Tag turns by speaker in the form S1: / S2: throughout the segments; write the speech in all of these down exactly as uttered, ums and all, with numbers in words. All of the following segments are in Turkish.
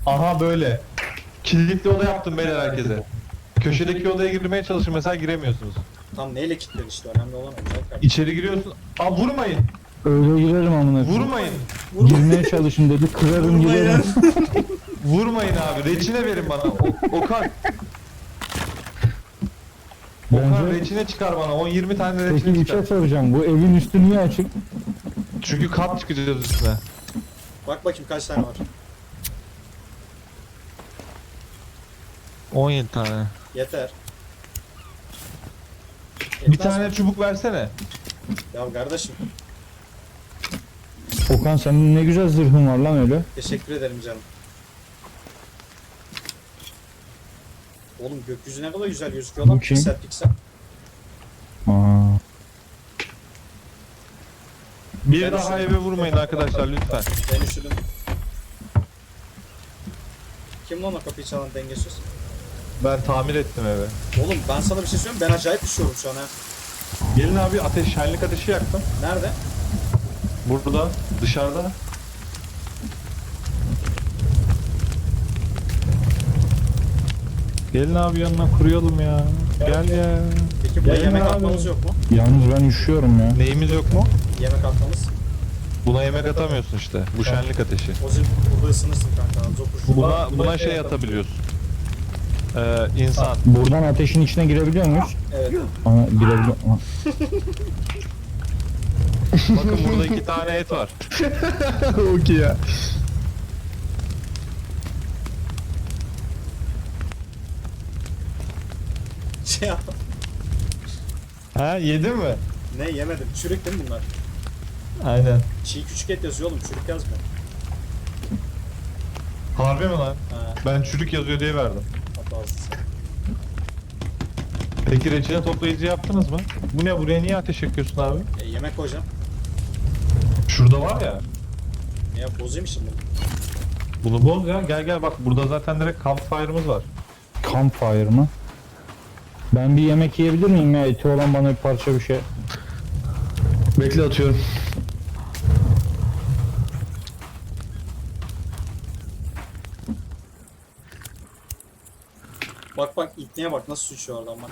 S1: Aha böyle. Kilitli oda yaptım beyler herkese. Köşedeki odaya girmeye çalışın mesela giremiyorsunuz.
S2: Tam neyle kilitlen işte önemli olan o. Güzel kardeşim.
S1: İçeri giriyorsun. Aa vurmayın.
S3: Öyle girerim amına. koyayım.
S1: Vurmayın.
S3: Girmeye çalışın dedi. Kırarım girerim.
S1: Vurmayın abi. Reçine verin bana. O, Okan. Okan
S3: Bence
S1: reçine çıkar bana. on yirmi tane
S3: peki
S1: reçine
S3: bir
S1: çıkar.
S3: şey soracağım. Bu evin üstü niye açık?
S1: Çünkü kat çıkacağız üstüne.
S2: Bak bakayım kaç tane var.
S1: on yedi tane.
S2: Yeter.
S1: Bir
S2: Yetmez
S1: tane
S2: mi?
S1: çubuk versene.
S2: Ya kardeşim
S3: Okan senin ne güzel zırhın var lan öyle.
S2: teşekkür ederim canım. Oğlum gökyüzü ne kadar güzel gözüküyor lan
S3: Bu kim?
S2: piksel piksel.
S3: Aa.
S1: Bir
S2: Ben
S1: daha
S2: üşüdüm.
S1: eve vurmayın arkadaşlar lütfen.
S2: Ben üşüdüm. Kim lan o kapıyı çalan dengesiz?
S1: Ben tamir ettim eve.
S2: Oğlum ben sana bir şey söyleyeyim ben acayip üşüyorum şu an ha.
S1: Gelin abi ateş, şenlik ateşi yaktım.
S2: Nerede?
S1: Burada, dışarıda. Gelin abi yanına kuruyalım ya. Gel ya.
S2: Peki buraya
S1: Gelin
S2: yemek
S1: abi.
S2: atmamız yok mu?
S3: Yalnız ben üşüyorum ya.
S1: Neyimiz yok mu?
S2: Yemek atmamız.
S1: Buna yemek atamıyorsun işte. Bu şenlik ateşi.
S2: O zil burada ısınırsın kanka. Zokur.
S1: Buna buna şey atabiliyorsun. Ee, insan.
S3: Buradan ateşin içine girebiliyor muyuz?
S2: Evet.
S3: Ama girebiliyor. Ama-
S1: Bakın burada iki tane et var.
S4: Okey ya.
S2: Şey yap.
S1: Ha yedin mi?
S2: Ne yemedim. Çürük değil mi bunlar?
S1: Aynen.
S2: Çiğ küçük et yazıyor oğlum. Çürük yazmıyor.
S1: Harbi mi lan?
S2: Ha,
S1: Ben çürük yazıyor diye verdim.
S2: hatasız.
S1: Peki reçine toplayıcı yaptınız mı? Bu ne? Buraya niye ateş yakıyorsun abi?
S2: E, yemek koyacağım.
S1: Şurada var ya.
S2: Ne yap bozayım şimdi?
S1: Bunu boz ya. Gel gel bak burada zaten direkt campfire'ımız var.
S3: Campfire mı? Ben bir yemek yiyebilir miyim ya? Eti olan bana bir parça bir şey.
S4: Bekle atıyorum.
S2: Bak bak ipneye bak nasıl sıçıyor oradan bak.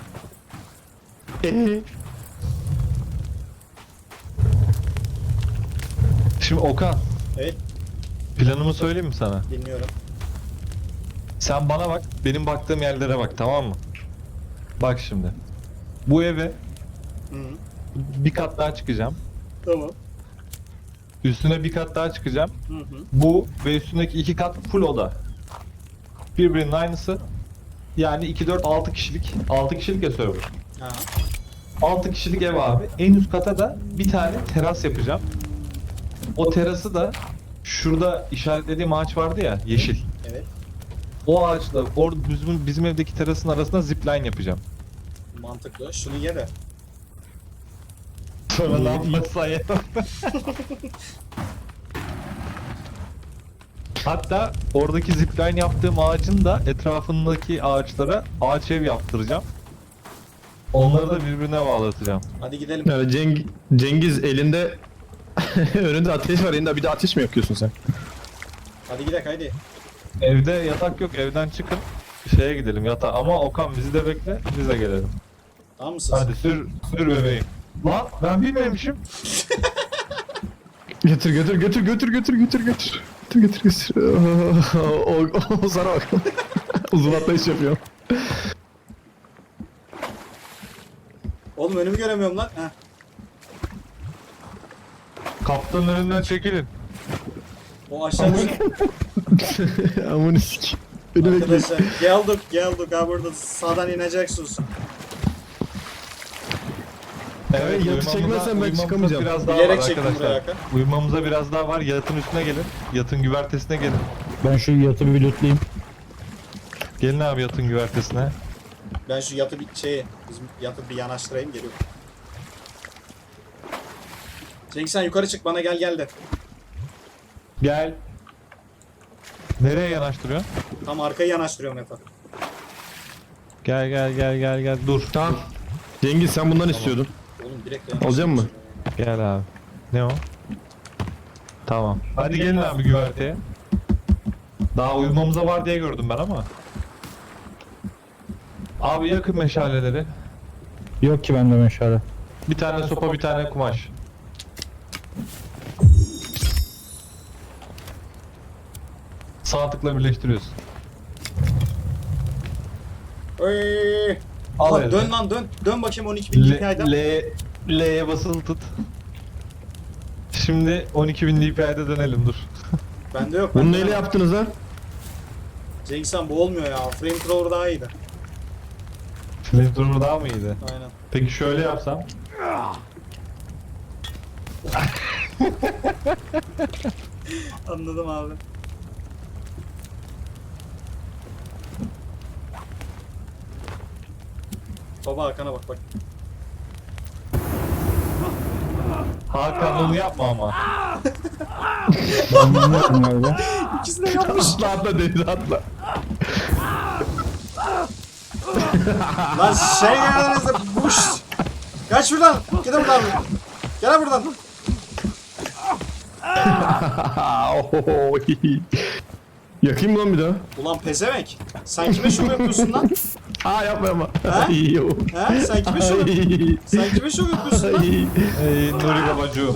S1: Şimdi Okan,
S2: Evet
S1: planımı söyleyeyim mi sana?
S2: dinliyorum.
S1: Sen bana bak, benim baktığım yerlere bak, tamam mı? Bak şimdi. Bu eve
S2: Hı -hı.
S1: bir kat daha çıkacağım.
S2: Tamam.
S1: Üstüne bir kat daha çıkacağım.
S2: Hı hı.
S1: Bu ve üstündeki iki kat full oda. Birbirinin aynısı. Yani iki, dört, altı kişilik. altı kişilik ya server.
S2: Ha.
S1: altı kişilik ev abi. En üst kata da bir tane teras yapacağım. O terası da şurada işaretlediğim ağaç vardı ya, yeşil.
S2: Evet.
S1: O ağaçla orada bizim, bizim evdeki terasın arasında zipline yapacağım.
S2: Mantıklı. Şunu ye de.
S1: Sonra ne yapmazsan ya. Hatta oradaki zipline yaptığım ağacın da etrafındaki ağaçlara ağaç ev yaptıracağım. Onları da birbirine bağlatacağım.
S2: Hadi gidelim.
S4: Yani Ceng Cengiz elinde önünde ateş var, elinde bir de ateş mi yakıyorsun sen?
S2: Hadi gidelim haydi.
S1: Evde yatak yok, evden çıkın. Şeye gidelim yatağa. Ama Okan bizi de bekle, biz de gelelim.
S2: Tamam mısınız?
S1: Hadi sür, sür bebeğim. Lan ben bilmemişim.
S4: Götür götür götür götür götür götür götür. Götür götür götür. O, o, o sana bak. Uzun atlayış yapıyor.
S2: Oğlum önümü göremiyorum lan. Heh.
S1: Kaptanın önünden çekilin.
S2: O aşağı düşün.
S4: Amına sik. Beni bekle.
S2: Arkadaşlar geldik geldik ha burada sağdan ineceksiniz.
S4: Evet, yatı
S1: uyumamıza-
S4: çekmezsen ben
S1: uyumamıza
S4: çıkamayacağım.
S1: Biraz daha
S2: Bilerek
S1: var
S2: çektim
S1: arkadaşlar.
S2: buraya Hakan.
S1: Uyumamıza biraz daha var. Yatın üstüne gelin. Yatın güvertesine gelin.
S3: Ben şu yatı bir lootlayayım.
S1: Gelin abi yatın güvertesine.
S2: Ben şu yatı bir şey bizim yatı bir yanaştırayım geliyorum. Cengiz sen yukarı çık bana gel gel de.
S1: Gel. Nereye yanaştırıyorsun?
S2: Tam arkayı yanaştırıyorum yatağa.
S1: Gel gel gel gel gel. Dur.
S4: Tamam. Cengiz sen bundan istiyordun.
S2: Oğlum direkt
S4: Alacak mı?
S1: Gel abi. Ne o? Tamam. Hadi gelin abi güverteye. Daha uyumamıza var diye gördüm ben ama. Abi yakın meşaleleri.
S3: Yok ki bende meşale.
S1: Bir tane sopa, bir tane kumaş. Sağ tıkla birleştiriyorsun.
S2: Oy.
S1: Al
S2: Lan
S1: eline.
S2: dön lan dön. Dön bakayım on iki bin D P I'den.
S1: L, L, L'ye basılı tut. Şimdi on iki bin D P I'de dönelim dur.
S2: Bende yok.
S4: Bunu
S2: bende
S4: neyle
S2: yok.
S4: yaptınız lan?
S2: Cengiz Han bu olmuyor ya. Flamethrower daha iyiydi.
S1: Flamethrower daha mı iyiydi?
S2: Aynen.
S1: Peki şöyle yapsam.
S2: Anladım abi. Baba Hakan'a bak bak.
S1: Hakan onu yapma ama.
S3: Ben bilmiyorum öyle.
S2: İkisi de yapmış.
S4: Atla atla denize atla.
S2: Lan şey geldiğinizde buş. Kaç şuradan. Gel buradan. Gel buradan.
S4: Oho. Yakayım mı lan bir daha?
S2: Ulan pezevenk. Sen kime şov yapıyorsun lan?
S4: Aa yapma yapma.
S2: Ha?
S4: Ay, yo.
S2: He? Sen kime şov
S4: Ay.
S2: Sen kime şov yapıyorsun lan?
S4: Ay.
S1: Ey Nuri babacığım.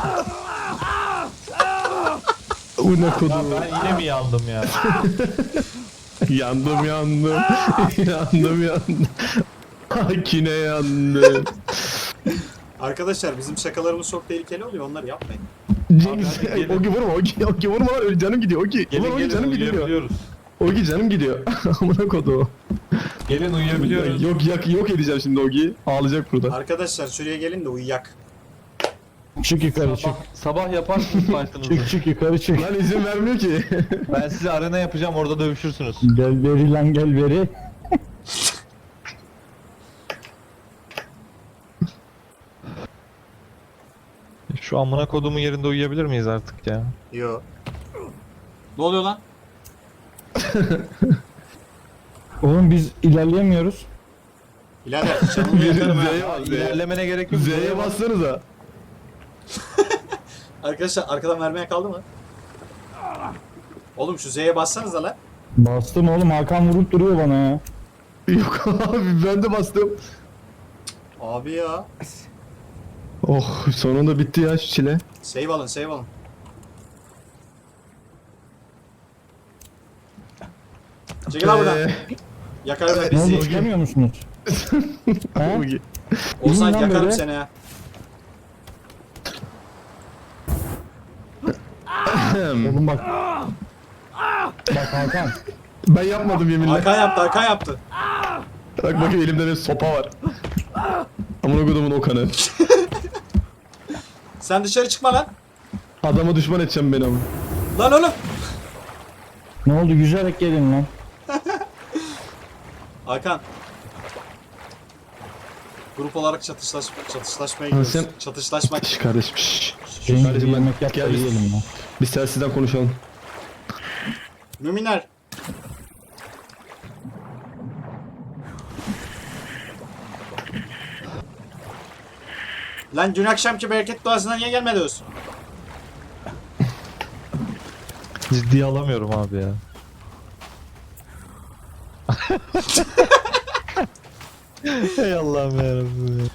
S4: Bu ne
S1: Ya
S4: kodu?
S1: ben yine mi yandım ya?
S4: Yandım yandım. yandım yandım. Akine yandım.
S2: Arkadaşlar bizim şakalarımız çok tehlikeli oluyor. Onları yapmayın.
S4: Cengiz,
S1: Abi hadi gelin.
S4: Ogi vurma, Ogi, Ogi vurma lan öyle canım gidiyor, Ogi. Ulan
S1: Gelin
S4: Ogi
S1: gelin
S4: canım gidiyor.
S1: uyuyabiliyoruz.
S4: Ogi canım gidiyor. Amına kodu.
S1: Gelin uyuyabiliyoruz.
S4: Yok yok yok edeceğim şimdi Ogi'yi. Ağlayacak burada.
S2: Arkadaşlar şuraya gelin de uyuyak.
S3: Çık yukarı çık.
S1: Sabah, sabah yaparsınız fight'ınızı.
S3: Çık çık yukarı çık.
S4: Lan izin vermiyor ki.
S1: Ben size arena yapacağım orada dövüşürsünüz.
S3: Gel veri lan gel veri.
S1: Şu amına kodumun yerinde uyuyabilir miyiz artık ya?
S2: Yo. Ne oluyor lan?
S3: Oğlum biz ilerleyemiyoruz.
S2: Birader canımı yakarım ha.
S4: Z'ye bas, Z'ye.
S1: İlerlemene gerek yok.
S4: Z'ye bassanıza.
S2: Arkadaşlar arkadan vermeye kaldı mı? Oğlum şu Z'ye bassanız da lan.
S3: Bastım oğlum Hakan vurup duruyor bana ya.
S4: Yok abi ben de bastım.
S2: Abi ya.
S4: Oh sonunda bitti ya şu çile.
S2: Save alın save alın. Çekil lan buradan.
S4: Ee,
S2: Yakarım
S3: Ne oldu
S2: bizi.
S3: çıkamıyor musunuz? He?
S4: Ogi.
S2: Olsan
S3: İnin lan
S2: yakarım
S3: böyle.
S2: seni ha.
S3: Oğlum bak. Bak Hakan.
S4: Ben yapmadım yeminle.
S2: Hakan yaptı Hakan yaptı.
S4: Bak bakın elimde bir sopa var. Amına kodumun Okan'ı.
S2: Sen dışarı çıkma lan.
S4: Adama düşman edeceğim beni ama.
S2: Lan oğlum.
S3: Ne oldu yüzerek gelin lan.
S2: Hakan. Grup olarak çatışlaş çatışlaşmaya
S4: Ha,
S2: gidiyoruz.
S4: sen-
S2: Çatışlaşmak.
S4: Şş kardeşim şş.
S3: Benim
S4: Kardeşim
S3: bir
S4: ben-
S3: yemek yap da
S4: gel biz-
S3: yiyelim lan.
S4: Biz telsizden konuşalım.
S2: Müminler. Lan dün akşamki bereket duasına niye gelmediniz?
S1: Ciddiye alamıyorum abi ya. Ey Allah'ım yarabbim ya.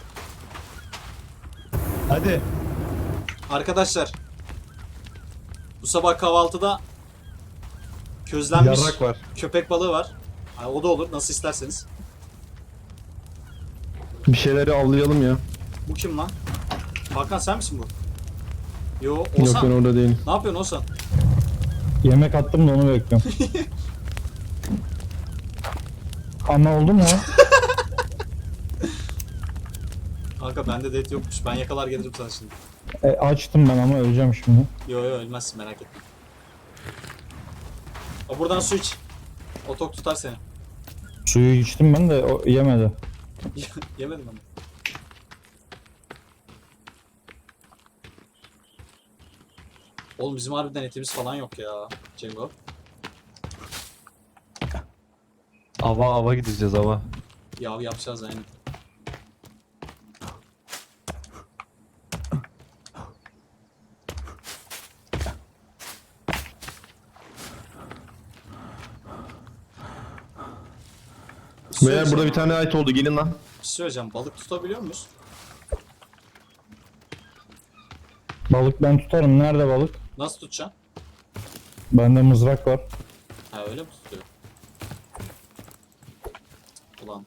S1: Hadi.
S2: Arkadaşlar. Bu sabah kahvaltıda közlenmiş
S1: Yarrak var.
S2: köpek balığı var. Ha, o da olur nasıl isterseniz.
S4: Bir şeyleri avlayalım ya.
S2: Bu kim lan? Hakan sen misin bu? Yo
S4: Yok
S2: Oğuzhan.
S4: ben orada değilim.
S2: Ne yapıyorsun Oğuzhan?
S3: Yemek attım da onu bekliyorum. Ama oldu mu?
S2: Kanka bende det yokmuş. Ben yakalar gelirim sana şimdi.
S3: E, açtım ben ama öleceğim şimdi.
S2: Yo yo ölmezsin merak etme. O buradan su iç. O tok tutar seni.
S3: Suyu içtim ben de o yemedi.
S2: Yemedim ama. Oğlum bizim harbiden etimiz falan yok ya. Cengo.
S1: Ava ava gideceğiz ava.
S2: Yav yapacağız aynen. şey
S4: Beyler burada
S2: söyleyeceğim.
S4: bir tane ait oldu. Gelin lan.
S2: Bir şey söyleyeceğim. Balık tutabiliyor muyuz?
S3: Balık ben tutarım. Nerede balık?
S2: Nasıl tutacaksın?
S3: Bende mızrak var.
S2: Ha öyle mi tutuyor? Ulan.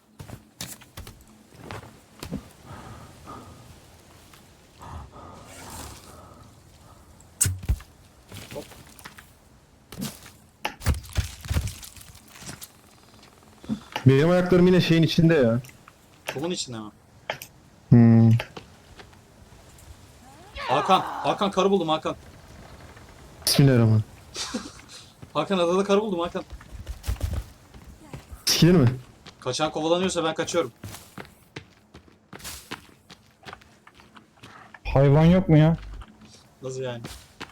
S4: Benim ayaklarım yine şeyin içinde ya.
S2: Kumun içinde mi?
S4: Hmm.
S2: Hakan. Hakan karı buldum Hakan.
S4: Bismillahirrahmanirrahim.
S2: Hakan adada karı buldum Hakan.
S4: Sikilir mi?
S2: Kaçan kovalanıyorsa ben kaçıyorum.
S3: Hayvan yok mu ya?
S2: Nasıl yani?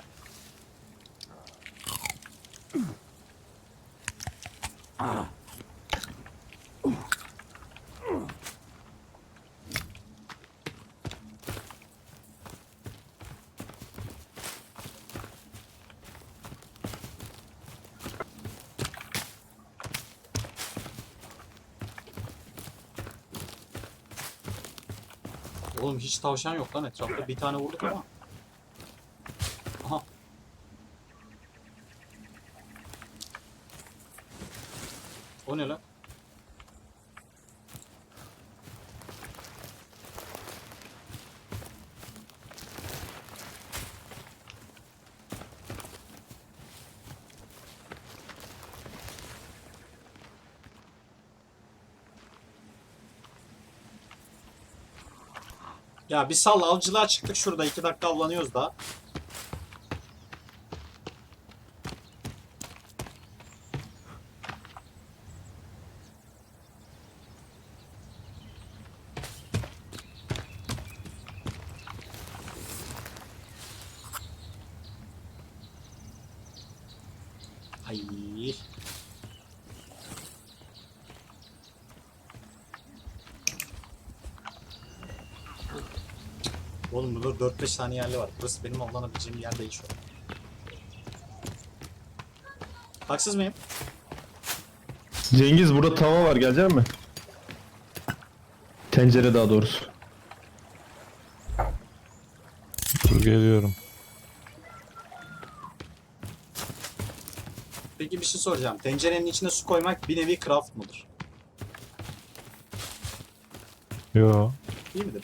S2: Oğlum hiç tavşan yok lan etrafta. Bir tane vurduk ama. Aha. O ne lan? Ya bir sal avcılığa çıktık şurada iki dakika avlanıyoruz daha. Ay. Oğlum burada dört beş tane yerli var. Burası benim avlanabileceğim yer değil şu an. Haksız mıyım?
S4: Cengiz burada tava var. Gelecek mi? Tencere daha doğrusu.
S1: Dur geliyorum.
S2: Peki bir şey soracağım. Tencerenin içine su koymak bir nevi craft mıdır?
S1: Yo.
S2: Değil midir?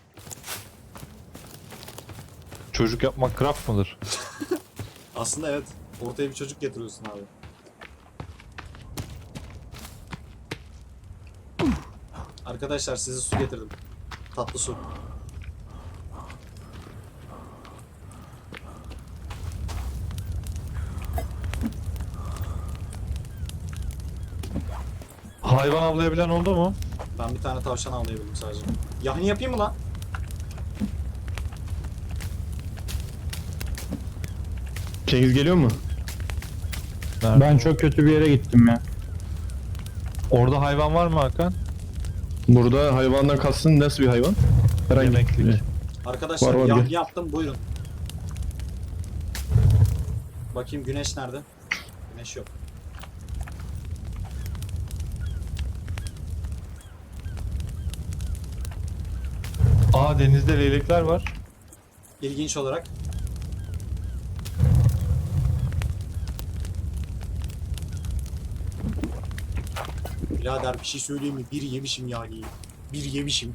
S1: Çocuk yapmak craft mıdır?
S2: Aslında evet. Ortaya bir çocuk getiriyorsun abi. Arkadaşlar size su getirdim. Tatlı su.
S1: Hayvan avlayabilen oldu mu?
S2: Ben bir tane tavşan avlayabildim sadece. Yahni yapayım mı lan?
S4: Cengiz geliyor mu?
S1: Nerede?
S3: Ben çok kötü bir yere gittim ya.
S1: Orada hayvan var mı Hakan?
S4: Burada hayvandan kastın nasıl bir hayvan? Herhangi
S1: Yemeklik.
S2: Arkadaşlar
S4: Var, var,
S2: yahni
S4: gel.
S2: yaptım buyurun. Bakayım güneş nerede? Güneş yok.
S1: Aa denizde leylekler var.
S2: İlginç olarak. Birader bir şey söyleyeyim mi? Bir yemişim yani. Bir yemişim.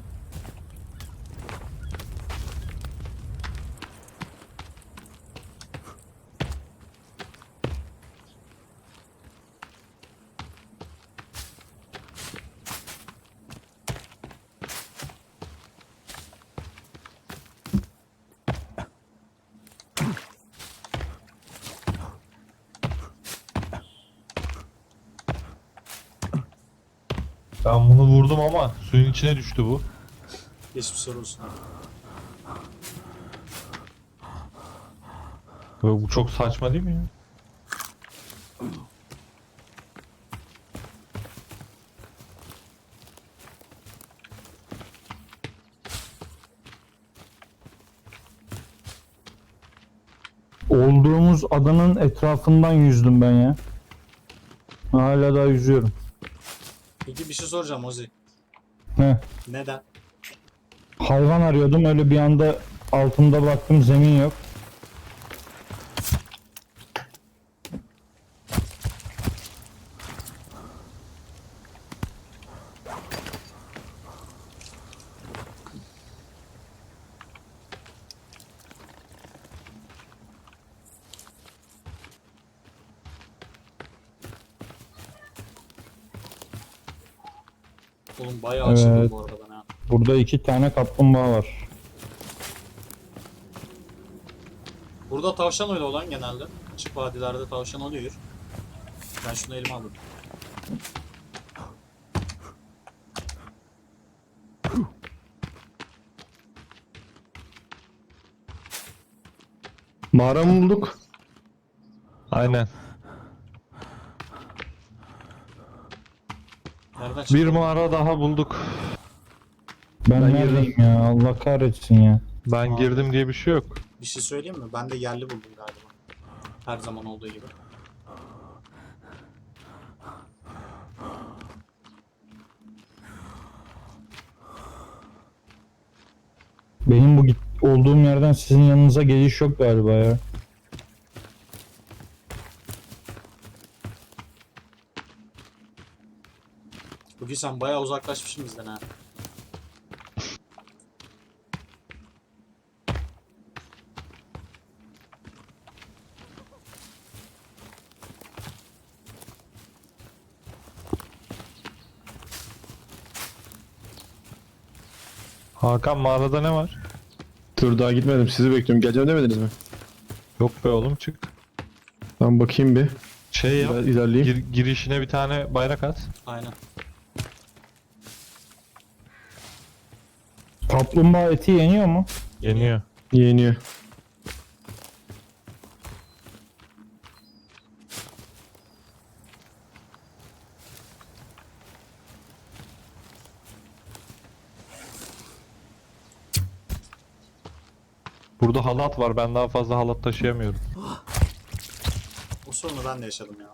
S1: Ben bunu vurdum ama suyun içine düştü bu.
S2: Geçmiş olsun abi.
S1: Ve bu çok saçma değil mi ya?
S3: Olduğumuz adanın etrafından yüzdüm ben ya. Hala daha yüzüyorum.
S2: Peki bir şey soracağım Ozi.
S3: Heh.
S2: Neden?
S3: Hayvan arıyordum, öyle bir anda altımda baktım zemin yok.
S2: Oğlum bayağı açıldım
S3: Evet.
S2: bu arada ben ha.
S3: Burada iki tane kaplumbağa var.
S2: Burada tavşan öyle olan genelde. Açık vadilerde tavşan oluyor. Ben şunu elime aldım.
S4: Mağara mı bulduk?
S1: Aynen.
S2: Nereden çıktı?
S1: Bir mağara daha bulduk.
S3: Ben,
S4: Ben
S3: neredeyim ya? Allah kahretsin ya.
S1: Ben girdim diye bir şey yok.
S2: Bir şey söyleyeyim mi? Ben de yerli buldum galiba. Her zaman olduğu gibi.
S3: Benim bu git olduğum yerden sizin yanınıza geliş yok galiba ya.
S2: Bugün sen bayağı uzaklaşmışsın bizden ha.
S1: Hakan mağarada ne var?
S4: Dur daha gitmedim. Sizi bekliyorum. Geleceğim demediniz mi?
S1: Yok be oğlum çık.
S4: Ben bakayım bir.
S1: Şey yap.
S4: Biraz ilerleyeyim.
S1: Gir- girişine bir tane bayrak at.
S2: Aynen.
S3: Kaplumbağa eti yeniyor mu?
S1: Yeniyor.
S4: Yeniyor.
S1: Burada halat var. Ben daha fazla halat taşıyamıyorum.
S2: O sorunu ben de yaşadım ya.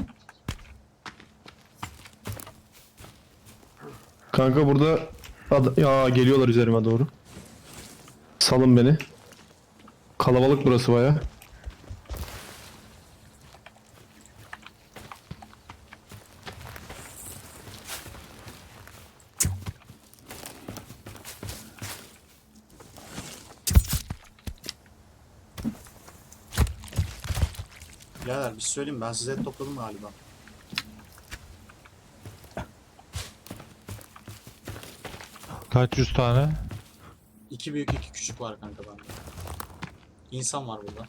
S4: Kanka burada ad- ya geliyorlar üzerime doğru. Salın beni. Kalabalık burası baya.
S2: Birader bir şey söyleyeyim mi? Ben size et topladım galiba.
S1: Kaç yüz tane?
S2: İki büyük iki küçük var kanka bende. İnsan var burada.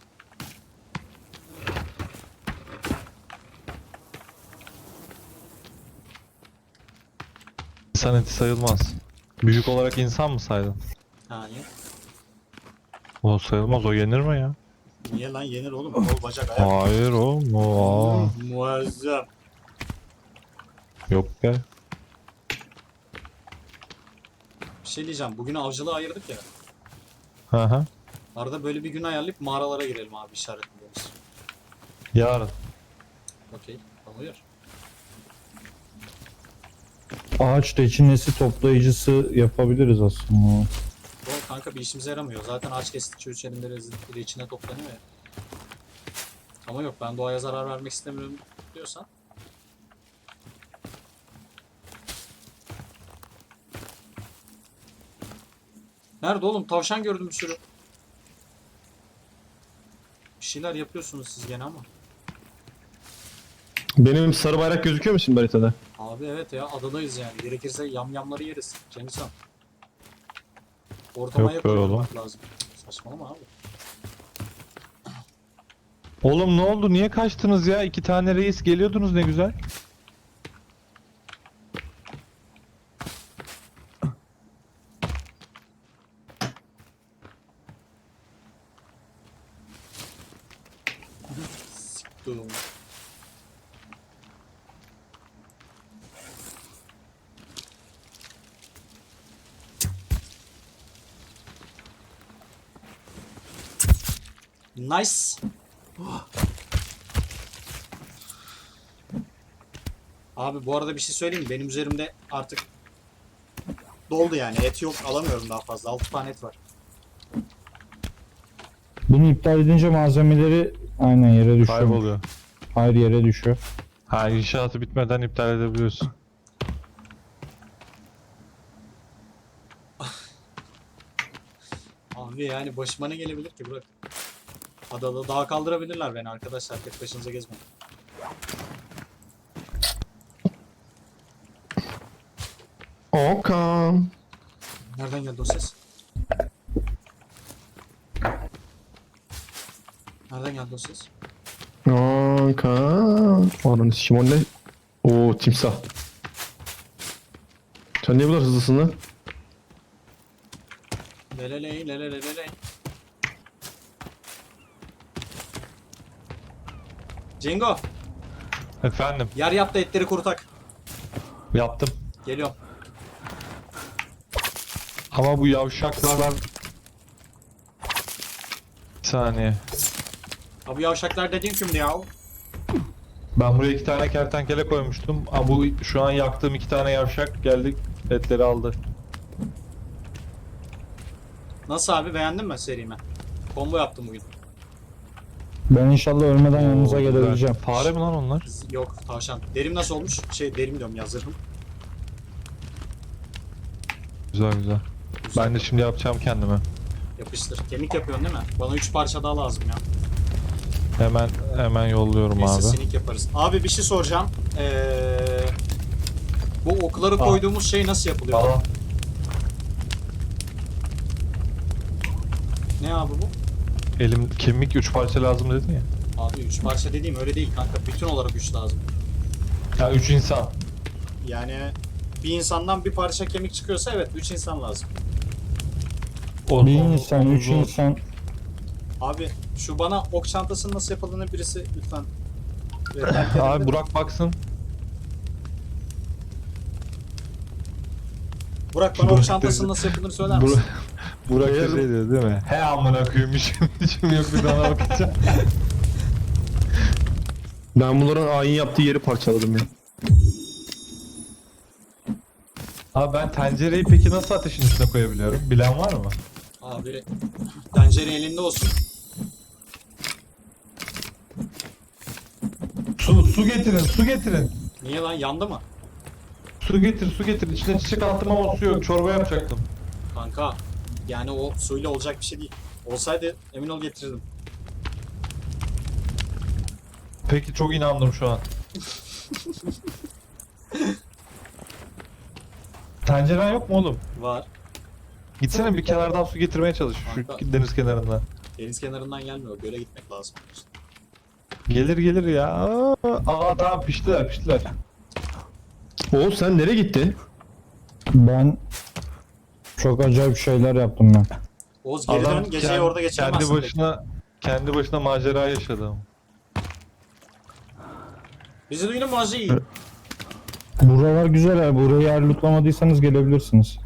S1: İnsan eti sayılmaz. Büyük olarak insan mı saydın?
S2: Ha niye?
S1: O sayılmaz. O yenir mi ya?
S2: Niye lan yenir oğlum? Kol bacak ayak.
S1: Hayır oğlum. O, aa.
S2: Hmm, muazzam.
S1: Yok be.
S2: Bir şey diyeceğim. Bugün avcılığı ayırdık ya.
S1: Hı hı.
S2: Arada böyle bir gün ayarlayıp mağaralara girelim abi işaretliyoruz.
S1: Yarın.
S2: Okey. Tamam.
S3: Ağaç reçinesi toplayıcısı yapabiliriz aslında.
S2: Oğlum kanka bir işimize yaramıyor. Zaten ağaç kestikçe üç elinde rezillikleri içine toplanıyor ya. Ama yok ben doğaya zarar vermek istemiyorum diyorsan. Nerede oğlum? Tavşan gördüm bir sürü. Bir şeyler yapıyorsunuz siz gene ama.
S4: Benim sarı bayrak gözüküyor mu şimdi haritada?
S2: Abi evet ya adadayız yani. Gerekirse yamyamları yeriz. Cengiz Ortama
S1: Yok be
S2: yakın lazım. Saçmalama abi.
S1: Oğlum ne oldu? Niye kaçtınız ya? İki tane reis geliyordunuz ne güzel.
S2: Siktir. Nice. Abi bu arada bir şey söyleyeyim mi? Benim üzerimde artık doldu yani. Et yok, alamıyorum daha fazla. altı tane et var.
S3: Bunu iptal edince malzemeleri aynen yere düşüyor.
S1: Kayboluyor.
S3: Hayır, yere düşüyor.
S1: Ha, inşaatı bitmeden iptal edebiliyorsun.
S2: Abi yani başıma ne gelebilir ki bırak. Adada dağa kaldırabilirler beni arkadaşlar. Tek başınıza gezmeyin.
S4: Okan.
S2: Nereden geldi o ses? Nereden geldi o ses?
S4: Okan. Ananı sikim o ne? Oo timsah. Sen niye bu kadar hızlısın lan?
S2: Leleley leleleleley. Cengo,
S1: Efendim,
S2: yer yap da etleri kurutak.
S1: yaptım.
S2: Geliyorum.
S1: Ama bu yavşaklardan... Bir saniye.
S2: Abi yavşaklar dediğin kimdi ya?
S1: Ben buraya iki tane kertenkele koymuştum. Ama bu şu an yaktığım iki tane yavşak geldi, etleri aldı.
S2: Nasıl abi, beğendin mi serimi? Combo yaptım bugün.
S3: Ben inşallah ölmeden yanınıza
S1: Oo, güzel.
S3: gelebileceğim.
S1: Fare mi lan onlar?
S2: Z- Yok tavşan. Derim nasıl olmuş? Şey derim diyorum ya, zırhım.
S1: Güzel güzel.
S2: Güzel.
S1: Ben de şimdi yapacağım kendime.
S2: Yapıştır. Kemik yapıyorsun değil mi? Bana üç parça daha lazım ya.
S1: Hemen hemen yolluyorum
S2: Neyse
S1: abi.
S2: sinik yaparız. Abi bir şey soracağım. Ee, bu okları
S1: Aa.
S2: koyduğumuz şey nasıl yapılıyor?
S1: Aa,
S2: Ne abi bu?
S1: elim kemik üç parça lazım dedin ya.
S2: Abi üç parça dediğim öyle değil kanka. Bütün olarak üç lazım.
S1: Ya üç insan.
S2: Yani bir insandan bir parça kemik çıkıyorsa evet üç insan lazım.
S1: O,
S3: Bir
S1: onu-
S3: insan,
S1: onu
S3: üç
S1: zor.
S3: insan.
S2: Abi şu bana ok çantasının nasıl yapıldığını birisi lütfen. rehberlik
S1: Abi
S2: edin.
S1: Burak baksın.
S2: Burak bana
S1: Burak
S2: ok çantasının
S1: dedi.
S2: nasıl yapıldığını söyler misin?
S1: Burak, Burak da
S4: Eğer-
S1: şey diyor değil mi? He amına koyayım işim, işim yok bir tane bakacağım.
S4: Ben bunların ayin yaptığı yeri parçaladım ya.
S1: Abi ben tencereyi peki nasıl ateşin üstüne koyabiliyorum? Bilen var mı?
S2: Abi tencere elinde olsun.
S1: Su, su getirin, su getirin.
S2: Niye lan, yandı mı?
S1: Su getir, su getir. İçine çiçek attım ama su yok. Çorba yapacaktım.
S2: Kanka yani o suyla olacak bir şey değil. Olsaydı emin ol getirirdim.
S1: Peki çok inandım şu an. Tenceren yok mu oğlum?
S2: Var.
S1: Gitsene bir kenardan su getirmeye çalış. Şu
S2: Kanka.
S1: deniz kenarından.
S2: Deniz kenarından gelmiyor. Göle gitmek lazım.
S1: Gelir gelir ya. Aa, aa tamam piştiler piştiler.
S4: Oğuz sen nereye gittin?
S3: Ben çok acayip şeyler yaptım ben.
S2: Oğuz geri dön. Geceyi
S1: kend-
S2: orada geçiremezsin.
S1: Kendi başına kendi başına macera yaşadı. ama.
S2: Bizi duydun mu Hacı?
S3: Buralar güzel ya. Burayı eğer lootlamadıysanız gelebilirsiniz.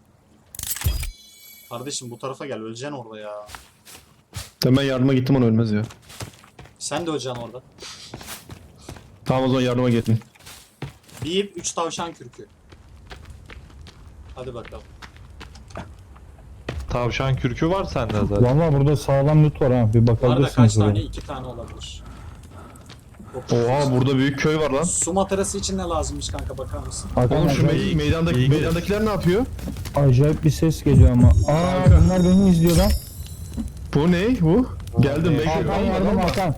S2: Kardeşim bu tarafa gel. Öleceksin orada ya.
S4: Ben ben yardıma gittim ona ölmez ya.
S2: Sen de öleceksin orada.
S4: Tamam o zaman yardıma gittin.
S2: Bir ip, üç tavşan kürkü. Hadi bakalım.
S1: Tavşan kürkü var sende zaten.
S3: Valla burada sağlam loot var ha. Bir
S2: Arada
S3: bakabilirsiniz
S2: kaç
S3: buraya.
S2: tane? İki tane olabilir.
S4: Oha burada büyük köy var lan.
S2: Su matarası için ne lazımmış kanka, bakar mısın?
S3: Hakan,
S4: Oğlum şu
S3: acayip,
S4: me meydandaki,
S1: iyi gidiyor.
S4: meydandakiler ne yapıyor?
S3: acayip bir ses geliyor ama. Aa
S4: Kanka.
S3: bunlar beni izliyor lan.
S4: Bu ne bu? Geldim bekle.
S3: Hakan
S4: Alma,
S3: yardım
S4: alma.
S3: Hakan.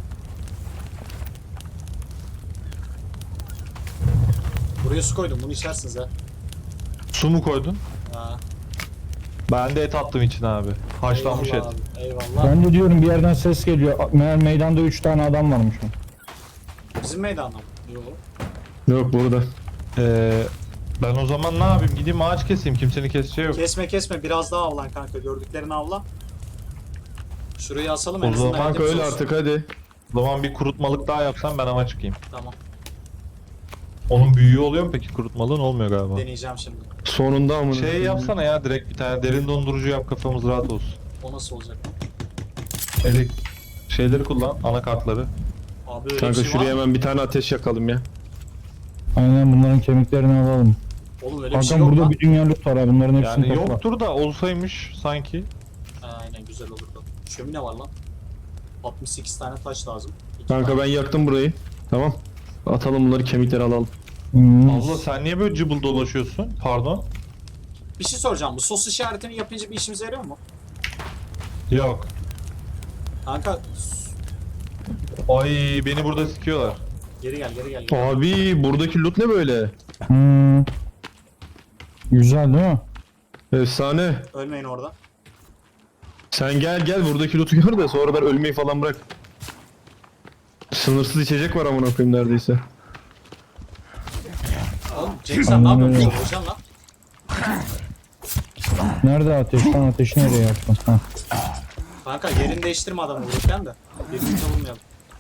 S2: Buraya su koydum. Bunu içersiniz ha.
S1: Su mu koydun?
S2: Ha.
S1: Ben de et attım içine abi. Haşlanmış et.
S2: Eyvallah abi, eyvallah.
S3: Ben de diyorum bir yerden ses geliyor. Meğer meydanda üç tane adam varmış.
S2: Bizim meydanda mı? Yok.
S4: Yok burada.
S1: Ee, ben o zaman ne yapayım? Gideyim ağaç keseyim. Kimsenin keseceği yok.
S2: Kesme kesme. Biraz daha avlan kanka. Gördüklerini avla. Şurayı asalım
S1: O
S2: en azından.
S1: zaman
S4: Kanka
S2: etimiz
S4: öyle
S2: olsun.
S4: artık hadi.
S1: O zaman bir kurutmalık daha yapsam ben ama çıkayım.
S2: Tamam.
S1: Onun büyüğü oluyor mu peki? Kurutmalığın olmuyor galiba.
S2: Deneyeceğim şimdi.
S4: Sonunda amına.
S1: Şey yapsana ya direkt bir tane derin dondurucu yap kafamız rahat olsun.
S2: O nasıl olacak?
S1: Elek şeyleri kullan, anakartları.
S2: Abi öyle
S4: Kanka
S2: bir şey
S4: şuraya
S2: var mı?
S4: hemen bir tane ateş yakalım ya.
S3: Aynen bunların kemiklerini alalım.
S2: Oğlum öyle bir şey
S3: Hakan
S2: yok
S3: burada
S2: lan.
S3: bir dünya loot var ha, bunların hepsini
S1: Yani
S3: topla.
S1: yoktur da olsaymış sanki.
S2: Ha, aynen güzel olurdu. Şömine var lan. altmış sekiz tane taş lazım. İki
S4: Kanka
S2: tane.
S4: ben yaktım burayı. Tamam. Atalım bunları, kemikleri alalım.
S3: Hmm.
S1: Abla sen niye böyle cıbıl dolaşıyorsun? Pardon.
S2: Bir şey soracağım. Bu sos işaretini yapınca bir işimize yarıyor mu?
S1: Yok.
S2: Kanka
S1: Ay beni burada sikiyorlar.
S2: geri gel geri gel. Geri.
S4: Abi buradaki loot ne böyle?
S3: Hmm. Güzel değil mi?
S4: Efsane.
S2: Ölmeyin orada.
S4: Sen gel gel buradaki loot'u gör de sonradan ölmeyi falan bırak. Sınırsız içecek var amına koyayım neredeyse.
S2: Oğlum Cenk sen ne
S3: Aynen
S2: yapıyorsun?
S3: öyle.
S2: Hocam lan.
S3: Nerede ateş? Lan ateşi nereye yaptın? Ha.
S2: Kanka yerini değiştirme adamı vururken de. Birbirini savunmayalım.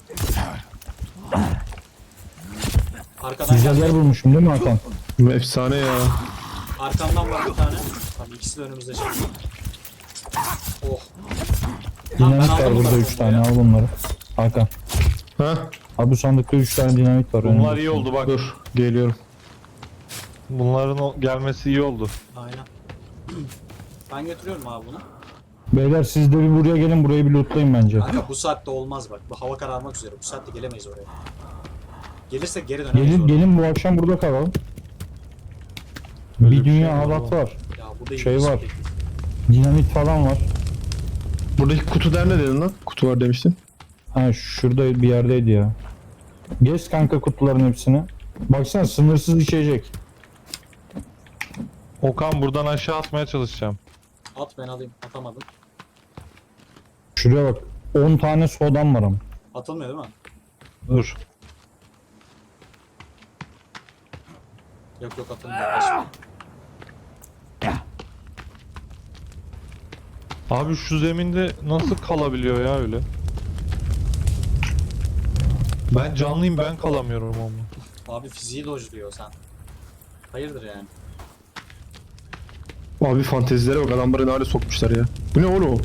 S2: Arkadan
S3: Güzel yer
S2: geldi.
S3: bulmuşum değil mi Hakan?
S4: Efsane ya.
S2: Arkamdan var bir tane. Tamam ikisi de önümüzde şimdi. Oh. Tamam, ben
S3: Dinamit
S2: aldım
S3: var burada
S2: bunları
S3: üç tane,
S2: ya.
S3: al bunları. Hakan.
S4: Ha?
S3: Abi bu sandıkta üç tane dinamit var.
S1: Bunlar
S3: önümüzde.
S1: iyi oldu bak.
S4: Dur geliyorum.
S1: Bunların o gelmesi iyi oldu.
S2: Aynen. Ben götürüyorum abi bunu.
S3: Beyler siz de bir buraya gelin, burayı bir lootlayın bence.
S2: Kanka bu saatte olmaz bak. Bu hava kararmak üzere. Bu saatte gelemeyiz oraya. Gelirsek geri dönemeyiz
S3: Gelin,
S2: oraya.
S3: gelin bu akşam burada kalalım.
S1: Böyle
S3: bir
S1: bir
S3: dünya
S1: şey var
S3: halat
S1: ama.
S3: var.
S2: Ya bu da
S3: Şey
S2: ilginç
S3: var.
S2: bir teknik.
S3: Dinamit falan var.
S4: Buradaki kutu der ne dedin lan? Kutu var demiştin.
S3: Ha şurada bir yerdeydi ya. Gez kanka kutuların hepsini. Baksana sınırsız içecek.
S1: Okan buradan aşağı atmaya çalışacağım.
S2: At ben alayım. Atamadım.
S3: Şuraya bak. on tane sodam var ama.
S2: Atılmıyor değil mi?
S1: Dur.
S2: Yok yok atılmıyor. Başka.
S1: Abi şu zeminde nasıl kalabiliyor ya öyle? Ben canlıyım, ben kalamıyorum ama.
S2: Abi fiziği dojluyor sen. Hayırdır yani?
S4: Abi fantezilere bak, adamları ne hale sokmuşlar ya. Bu ne oğlum?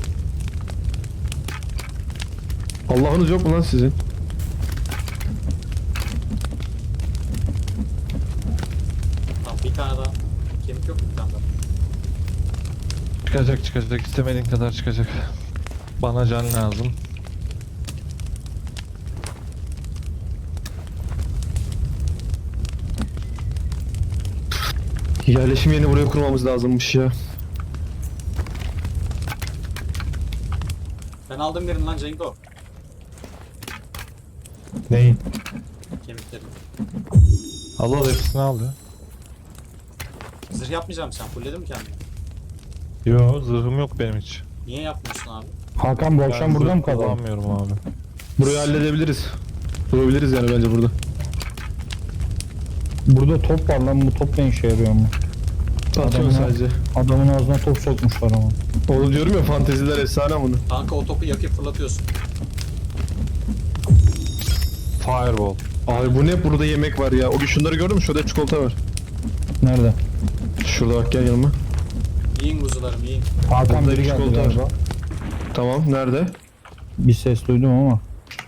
S4: Allah'ınız yok mu lan sizin?
S2: Tamam bir tane daha. Kemik yok mu bir tane daha?
S1: Çıkacak çıkacak, istemediğin kadar çıkacak. Bana can lazım.
S4: Yerleşim yerini buraya kurmamız lazımmış ya.
S2: Ben aldım birini lan Cengo.
S1: Neyin?
S2: Kemiklerini.
S1: Allah hepsini aldı.
S2: Zırh yapmayacağım sen. Fulledin mi kendini?
S1: Yo, zırhım yok benim hiç.
S2: Niye yapmıyorsun abi?
S3: Hakan bu akşam
S1: Ben
S3: burada
S1: zırh
S3: mı kalalım?
S1: kullanmıyorum abi.
S4: Burayı halledebiliriz. Durabiliriz yani bence burada.
S3: Burada top var lan, bu top ne işe yarıyor mu?
S4: Atıyorum
S3: Adamın-
S4: sadece.
S3: Adamın ağzına top sokmuşlar ama.
S4: Oğlum diyorum ya, fanteziler efsane bunu.
S2: Kanka o topu yakıp fırlatıyorsun.
S1: Fireball.
S4: Abi bu ne, burada yemek var ya. O gün şunları gördün mü? Şurada çikolata var.
S3: Nerede?
S4: Şurada bak, gel yanıma.
S2: Yiyin kuzularım yiyin.
S3: Hakan
S4: Burada
S3: biri geldi
S4: çikolata var.
S3: galiba.
S4: Tamam, nerede?
S3: Bir ses duydum ama.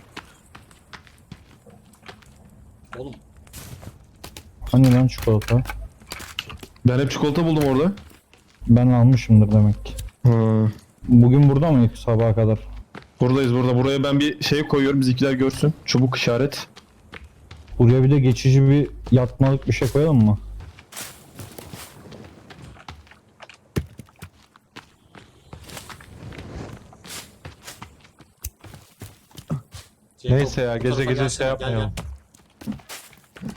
S2: Oğlum
S3: Hani lan çikolata?
S4: Ben hep çikolata buldum orada.
S3: Ben almışımdır demek ki.
S4: Ha.
S3: Bugün burada mıydık sabaha kadar?
S4: Buradayız burada. Buraya ben bir şey koyuyorum, bizimkiler görsün. Çubuk işaret.
S3: Buraya bir de geçici bir yatmalık bir şey koyalım mı?
S2: Cengo,
S1: Neyse ya,
S2: bu
S1: gece
S2: tarafa
S1: gece
S2: gelsene,
S1: şey
S2: gel,
S1: yapmayalım.